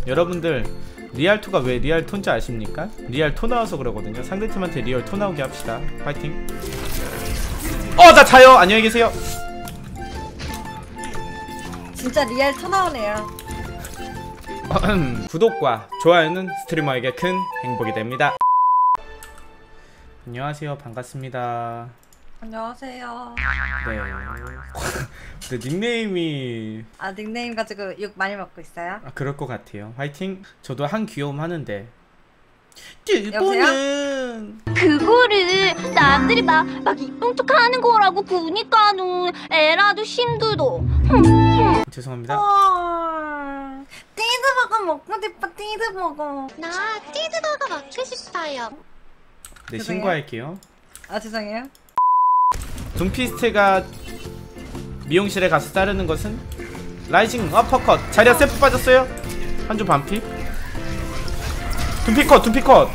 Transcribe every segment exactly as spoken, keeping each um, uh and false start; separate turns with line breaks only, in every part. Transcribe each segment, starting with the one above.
여러분들 리알토가 왜 리알토인지 아십니까? 리알토 나와서 그러거든요. 상대팀한테 리얼토 나오게 합시다. 파이팅. 어! 나 자요! 안녕히 계세요.
진짜 리알토 나오네요.
구독과 좋아요는 스트리머에게 큰 행복이 됩니다. 안녕하세요. 반갑습니다.
안녕하세요.
네. 근데 닉네임이
아 닉네임 가지고 욕 많이 먹고 있어요?
아, 그럴 것 같아요. 화이팅. 저도 한 귀여움 하는데
여보세요?
그거를 남들이 막, 막 이쁜 척 하는 거라고 그니까는 에라도 힘들어.
죄송합니다.
어... 띠드버거 먹고 싶어. 띠드버거.
나 치즈버거 먹고 싶어요.
네,
죄송해요.
신고할게요.
아 죄송해요.
둠피스트가 미용실에 가서 자르는 것은 라이징 어퍼컷. 자리야 세프 빠졌어요. 한조 반피. 둠피컷 둠피컷.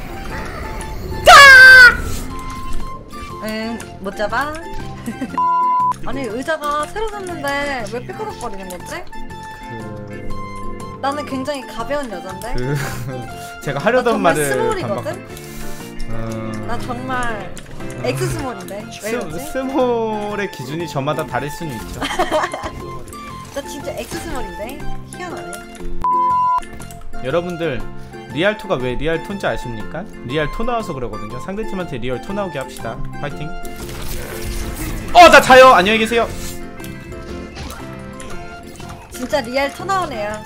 응 못 잡아. 아니 의자가 새로 샀는데 왜 삐그덕거리는 거지?
그...
나는 굉장히 가벼운 여잔데.
그... 제가 하려던
정말
말을
스몰이거든?
음...
나 정말 엑스 스몰인데 왜 이러지?
스, 스몰의 기준이 저마다 다를 수는 있죠.
나 진짜 엑스 스몰인데 희한하네.
여러분들 리알토가 왜 리알토인지 아십니까? 리알토 나와서 그러거든요. 상대팀한테 리얼토 나오게 합시다. 파이팅. 어! 나 자요! 안녕히 계세요.
진짜 리알토 나오네요.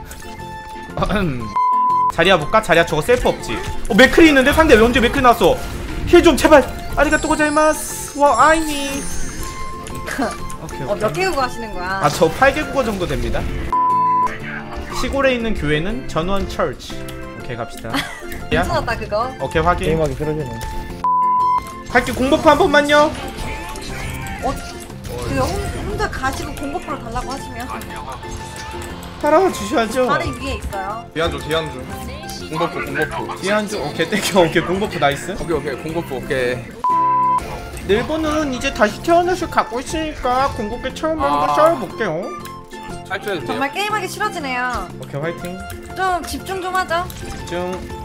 자리야 볼까? 자리야 저거 셀프 없지? 어 맥클이 있는데? 상대 왜 언제 맥클 나왔어? 힐 좀 제발! 아리가또 고자이마스. 와 아이니. 오케이,
어, 몇 개 국어 하시는 거야?
아 저 팔 개 국어 정도 됩니다. 시골에 있는 교회는 전원 철치. 오케이 갑시다.
괜찮았다 그거.
오케이 확인.
게임하기 싫어지네.
갈게. 공버프 한 번만요.
어? 그거 혼- 혼자 가시고 공고프로 달라고 하시면
따라와 주셔야죠.
다리 위에 있어요.
뒤안줘 뒤안줘 공버프 공버프
뒤에 한줄 오케이 땡겨. 오케이 공버프 나이스.
오케이 오케이 공버프 오케이.
일본은 이제 다시 태어나서 갖고 있으니까 궁극기 처음 한번
아.
싸워볼게요.
탈출해도 돼요?
정말 게임하기 싫어지네요.
오케이 화이팅.
좀 집중 좀 하죠.
집중.